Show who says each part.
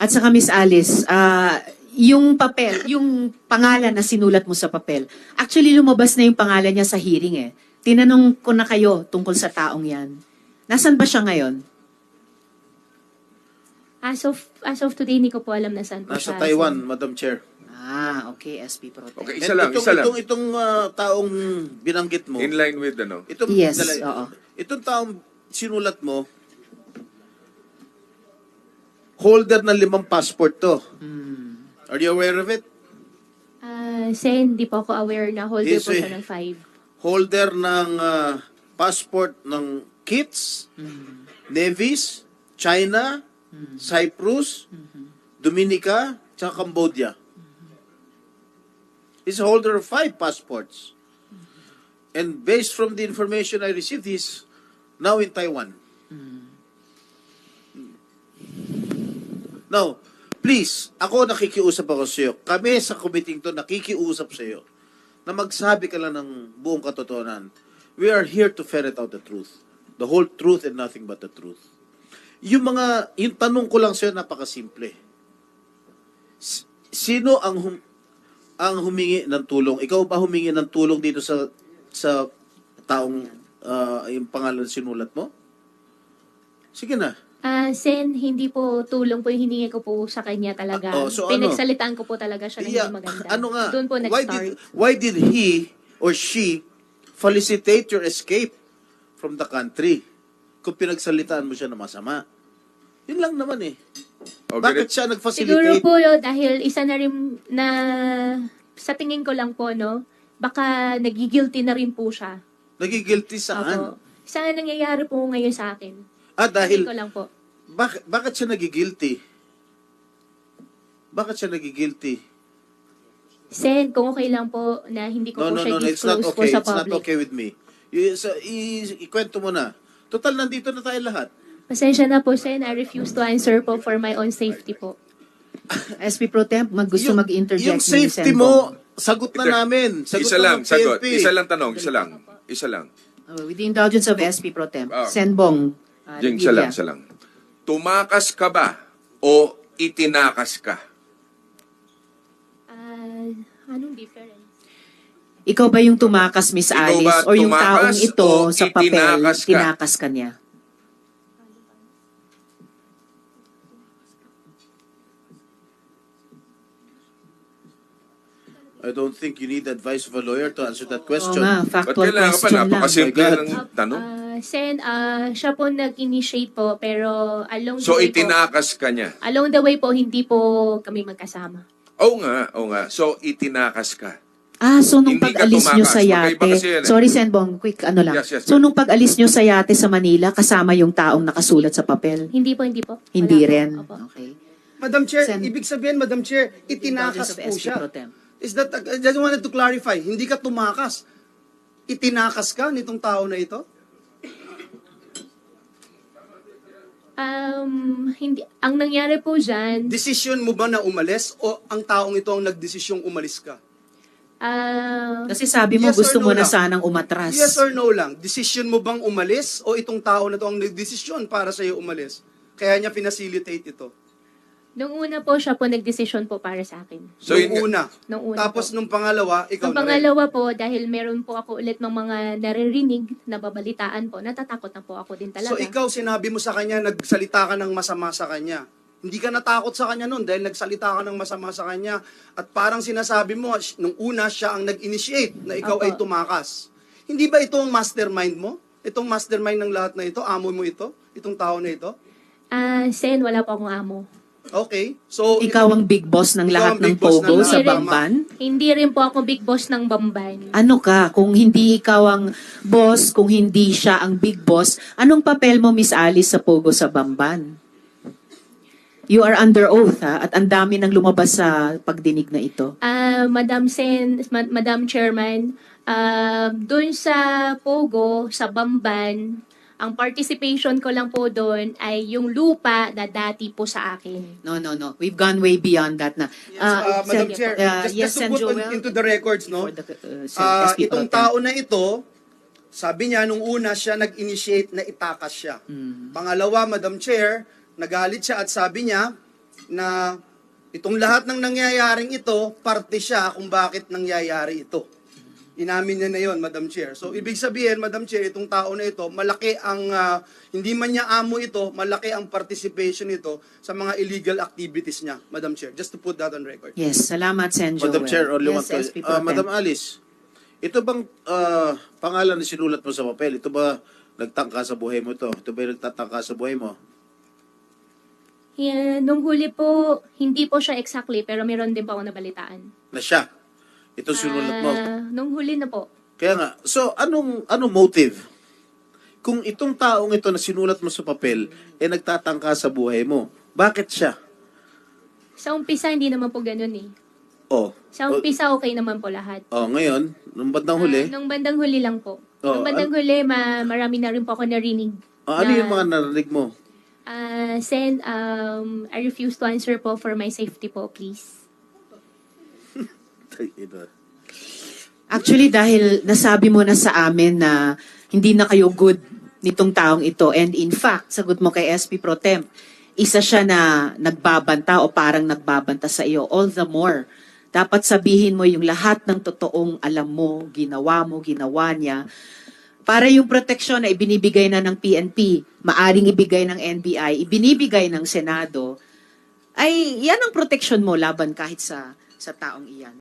Speaker 1: At saka Miss Alice, yung papel, yung pangalan na sinulat mo sa papel, actually lumabas na yung pangalan niya sa hearing eh. Tinanong ko na kayo tungkol sa taong yan. Nasaan ba siya ngayon?
Speaker 2: As of today, hindi ko po alam na saan po
Speaker 3: Nasa
Speaker 2: siya.
Speaker 3: Taiwan, Madam Chair.
Speaker 1: Okay, SP Pro Tem.
Speaker 4: Okay,
Speaker 3: And
Speaker 4: isa lang.
Speaker 3: Itong taong binanggit mo,
Speaker 4: In line with ano?
Speaker 1: Yes, oo.
Speaker 3: Itong taong sinulat mo, holder ng 5 passport to. Are you aware of it?
Speaker 2: Sen, hindi po ako aware na holder
Speaker 3: Yes,
Speaker 2: po
Speaker 3: eh.
Speaker 2: siya ng 5.
Speaker 3: Holder ng passport ng KITS, Nevis, China, Cyprus, Dominica, tsaka Cambodia. He's a holder of 5 passports. And based from the information I received, he's now in Taiwan. Now, please, ako nakikiusap ako sa iyo. Kami sa committee to nakikiusap sa iyo na magsabi ka lang ng buong katotohanan. We are here to ferret out the truth. The whole truth and nothing but the truth. Yung tanong ko lang sa iyo, napakasimple. Sino ang humingi ng tulong? Ikaw ba humingi ng tulong dito sa taong yung pangalan sinulat mo? Sige na.
Speaker 2: Sen, hindi po tulong po yung hiningi ko po sa kanya talaga.
Speaker 3: So
Speaker 2: Pinagsalitaan ko po talaga siya ng hindi maganda.
Speaker 3: Ano nga?
Speaker 2: Doon po nag-start.
Speaker 3: Why did he or she felicitate your escape from the country kung pinagsalitaan mo siya na masama? Yun lang naman eh. Bakit siya
Speaker 2: Siguro
Speaker 3: nag-facilitate?
Speaker 2: po dahil isa na rin na sa tingin ko lang po, no, baka nagigilty na rin po siya.
Speaker 3: Nagigilty saan?
Speaker 2: Opo. Isa na nangyayari po ngayon sa akin.
Speaker 3: Dahil,
Speaker 2: Tingin ko lang po.
Speaker 3: bakit siya nagigilty? Bakit siya nagigilty?
Speaker 2: Sen, kung okay lang po na hindi ko po siya
Speaker 3: It's not
Speaker 2: disclose po
Speaker 3: okay.
Speaker 2: sa
Speaker 3: It's not
Speaker 2: public.
Speaker 3: okay with me. Ikwento mo na. Total, nandito na tayo lahat.
Speaker 2: Pasensya na po, Sen. I refuse to answer po for my own safety po.
Speaker 1: SP Pro Tem, gusto mag-interject
Speaker 3: Yung
Speaker 1: ni
Speaker 3: safety
Speaker 1: Sen.
Speaker 3: mo, sagot na namin. Sagot
Speaker 4: Isa
Speaker 3: na
Speaker 4: lang,
Speaker 3: ng
Speaker 4: sagot.
Speaker 3: PNP.
Speaker 4: Isa lang tanong, isa lang. Isa lang.
Speaker 1: With the indulgence of SP Pro Tem.
Speaker 4: Ah.
Speaker 1: Senbong.
Speaker 4: Jing, isa lang, isa lang. Tumakas ka ba o itinakas ka?
Speaker 2: Anong difference?
Speaker 1: Ikaw ba yung tumakas, Miss
Speaker 4: Ikaw
Speaker 1: Alice?
Speaker 4: ba
Speaker 1: O yung taong
Speaker 4: tumakas
Speaker 1: ito
Speaker 4: o
Speaker 1: sa papel,
Speaker 4: itinakas ka?
Speaker 1: tinakas ka niya?
Speaker 3: I don't think you need advice of a lawyer to answer that
Speaker 1: Oo
Speaker 3: question.
Speaker 1: nga,
Speaker 4: Ba't
Speaker 1: factual
Speaker 4: kailangan ka pa?
Speaker 1: question lang.
Speaker 4: Napakasimple
Speaker 3: My God.
Speaker 4: ng tanong.
Speaker 2: Sen, siya po nag-initiate po, pero along
Speaker 4: So,
Speaker 2: the way po,
Speaker 4: itinakas ka niya.
Speaker 2: along the way po, hindi po kami magkasama.
Speaker 4: Oo nga, oo nga. So, itinakas ka.
Speaker 1: So nung
Speaker 4: Hindi ka
Speaker 1: pag-alis nyo
Speaker 4: tumakas.
Speaker 1: sa
Speaker 4: Magkaiba
Speaker 1: yate,
Speaker 4: kasi yan eh.
Speaker 1: sorry Senbong, quick ano lang.
Speaker 4: Yes, yes,
Speaker 1: So
Speaker 4: ma'am.
Speaker 1: nung pag-alis nyo sa yate sa Manila, kasama yung taong nakasulat sa papel?
Speaker 2: Hindi po, hindi po.
Speaker 1: Hindi
Speaker 2: Wala po.
Speaker 1: rin?
Speaker 2: Opo.
Speaker 1: Okay.
Speaker 5: Madam Chair,
Speaker 1: Sen-
Speaker 5: ibig sabihin, Madam Chair,
Speaker 1: Indulgence
Speaker 5: itinakas
Speaker 1: of
Speaker 5: po
Speaker 1: SP
Speaker 5: siya.
Speaker 1: Pro Tem.
Speaker 5: Is that, I just wanted to clarify, hindi ka tumakas. Itinakas ka nitong tao na ito?
Speaker 2: Hindi, ang nangyari po dyan,
Speaker 5: Desisyon mo ba na umalis o ang taong ito ang nagdesisyong umalis ka?
Speaker 1: Kasi sabi mo
Speaker 5: Yes or
Speaker 1: gusto
Speaker 5: no
Speaker 1: mo na
Speaker 5: lang?
Speaker 1: sanang umatras.
Speaker 5: Yes or no lang? Desisyon mo bang umalis o itong tao na ito ang nagdesisyon para sa iyo umalis? Kaya niya pinacilitate ito.
Speaker 2: nung una po siya po nagdesisyon po para sa akin.
Speaker 4: So,
Speaker 5: Nung una.
Speaker 2: Nung una
Speaker 5: Tapos
Speaker 2: po.
Speaker 5: nung pangalawa, ikaw
Speaker 2: Ang
Speaker 5: na rin.
Speaker 2: pangalawa po, dahil meron po ako ulit ng mga naririnig, nababalitaan po, natatakot na po ako din talaga.
Speaker 5: So ikaw, sinabi mo sa kanya, nagsalita ka ng masama sa kanya. Hindi ka natakot sa kanya noon dahil nagsalita ka ng masama sa kanya. At parang sinasabi mo, nung una siya ang nag-initiate na ikaw
Speaker 2: Opo.
Speaker 5: ay tumakas. Hindi ba ito ang mastermind mo? Itong mastermind ng lahat na ito? Amo mo ito? Itong tao na ito?
Speaker 2: Sen, wala po akong amo.
Speaker 5: Okay. So,
Speaker 1: Ikaw ang big boss ng
Speaker 5: Ikaw
Speaker 1: lahat
Speaker 5: ang
Speaker 1: ng
Speaker 5: big boss
Speaker 1: Pogo
Speaker 5: ng
Speaker 1: sa
Speaker 2: lahat.
Speaker 1: Bamban?
Speaker 2: Hindi rin po ako big boss ng Bamban.
Speaker 1: Ano ka? Kung hindi ikaw ang boss, kung hindi siya ang big boss, anong papel mo, Miss Alice, sa Pogo sa Bamban? You are under oath, ha? At ang dami nang lumabas sa pagdinig na ito.
Speaker 2: Madam Chairman, doon sa Pogo, sa Bamban, ang participation ko lang po doon ay yung lupa na dati po sa akin.
Speaker 1: No. We've gone way beyond that na.
Speaker 5: Madam
Speaker 1: Sen-
Speaker 5: Chair, just to
Speaker 1: Sen
Speaker 5: put
Speaker 1: Joel,
Speaker 5: into the records, no?
Speaker 1: for the, SP
Speaker 5: Itong
Speaker 1: Pro Tem.
Speaker 5: tao na ito, sabi niya, nung una siya nag-initiate na itakas siya. Pangalawa, Madam Chair, nagalit siya at sabi niya, na itong lahat ng nangyayaring ito, parte siya kung bakit nangyayari ito. Inamin niya na yon, Madam Chair. So, ibig sabihin, Madam Chair, itong tao na ito, malaki ang, hindi man niya amo ito, malaki ang participation nito sa mga illegal activities niya, Madam Chair. Just to put that on record.
Speaker 1: Yes, salamat, Sen. Joel.
Speaker 3: Madam Chair, only one
Speaker 1: Yes,
Speaker 3: question.
Speaker 1: SP Pro Tem.
Speaker 3: Madam Alice, ito bang pangalan na sinulat mo sa papel? Ito ba nagtangka sa buhay mo ito? Ito ba yung nagtatangka sa buhay mo?
Speaker 2: Yeah, nung huli po, hindi po siya exactly, pero meron din po ako nabalitaan.
Speaker 3: Na siya? Ito sinulat mo?
Speaker 2: Nung huli na po.
Speaker 3: Kaya nga, so anong motive? Kung itong taong ito na sinulat mo sa papel, nagtatangka sa buhay mo, bakit siya?
Speaker 2: Sa umpisa, hindi naman po ganun eh.
Speaker 3: Oh.
Speaker 2: Sa umpisa, okay naman po lahat.
Speaker 3: Oh, ngayon, nung bandang huli,
Speaker 2: Nung bandang huli lang po.
Speaker 3: Oh,
Speaker 2: Nung bandang huli, marami na rin po ako narinig.
Speaker 3: ano yung mga narinig mo?
Speaker 2: Sen, I refuse to answer po for my safety po, please.
Speaker 1: Actually, dahil nasabi mo na sa amin na hindi na kayo good nitong taong ito. And in fact, sagot mo kay SP Pro Tem, isa siya na nagbabanta o parang nagbabanta sa iyo. All the more, dapat sabihin mo yung lahat ng totoong alam mo, ginawa niya. Para yung proteksyon na ibinibigay na ng PNP, maaring ibigay ng NBI, ibinibigay ng Senado, ay yan ang proteksyon mo laban kahit sa taong iyan.